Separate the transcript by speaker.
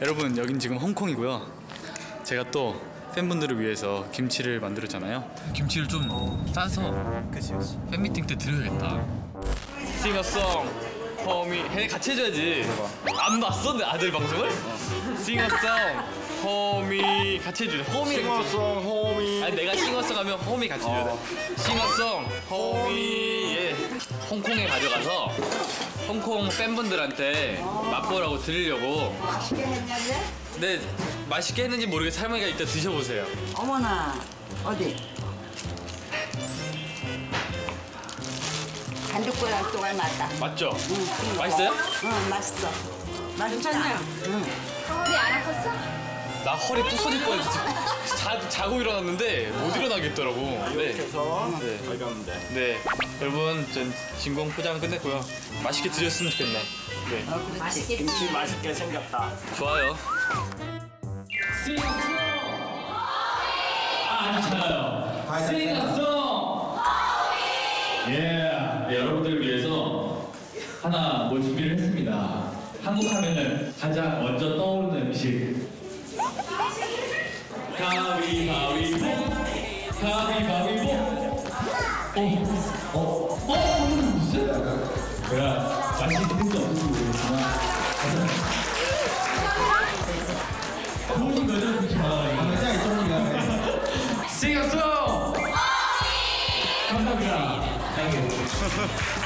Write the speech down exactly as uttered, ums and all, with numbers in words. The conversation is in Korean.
Speaker 1: 여러분, 여긴 지금 홍콩이고요. 제가 또 팬분들을 위해서 김치를 만들었잖아요. 김치를 좀 싸서
Speaker 2: 그치 그치
Speaker 1: 팬미팅 때 드려야겠다. 싱어송 호미 해 같이 해줘야지. 안 봤어? 내 아들 방송을? 싱어송 호미 같이 해주래. 호미
Speaker 2: 싱어송 호미.
Speaker 1: 아니 내가 싱어송 하면 호미 같이 해줘야 돼. 싱어송 호미. 예. 홍콩에 가져가서 홍콩 팬분들한테 맛보라고 드리려고.
Speaker 3: 맛있게 했는데?
Speaker 1: 네, 맛있게 했는지 모르겠어. 할머니가 이따 드셔보세요.
Speaker 3: 어머나, 어디? 반죽고랑 또 닮았다.
Speaker 1: 맞죠?
Speaker 3: 응.
Speaker 1: 맛있어요?
Speaker 3: 응, 맛있어. 맛있잖아. 응.
Speaker 4: 허리 안 아팠어?
Speaker 1: 나 허리 부서질 뻔했어. 자, 자고 일어났는데 못 일어나겠더라고. 네.
Speaker 2: 해서
Speaker 1: 네.
Speaker 2: 가져가면 돼.
Speaker 1: 네. 여러분, 전 진공 포장 끝냈고요. 맛있게 드셨으면 좋겠네. 네.
Speaker 3: 어, 그렇지.
Speaker 2: 김치 맛있게 생겼다.
Speaker 1: 좋아요.
Speaker 5: 아주 잘해요. 싱어송! 예, 네, 여러분들을 위해서 하나 뭘 준비를 했습니다. 한국 하면은 가장 먼저 떠오르는 음식. 가위바위보, 가위바위보. 어, 어, 어, 무슨? 제가 맛있게 드실 수 없을지 모르겠지만. 좋으신 거죠? 그렇지 싱어송! 감사합니다. 땡큐.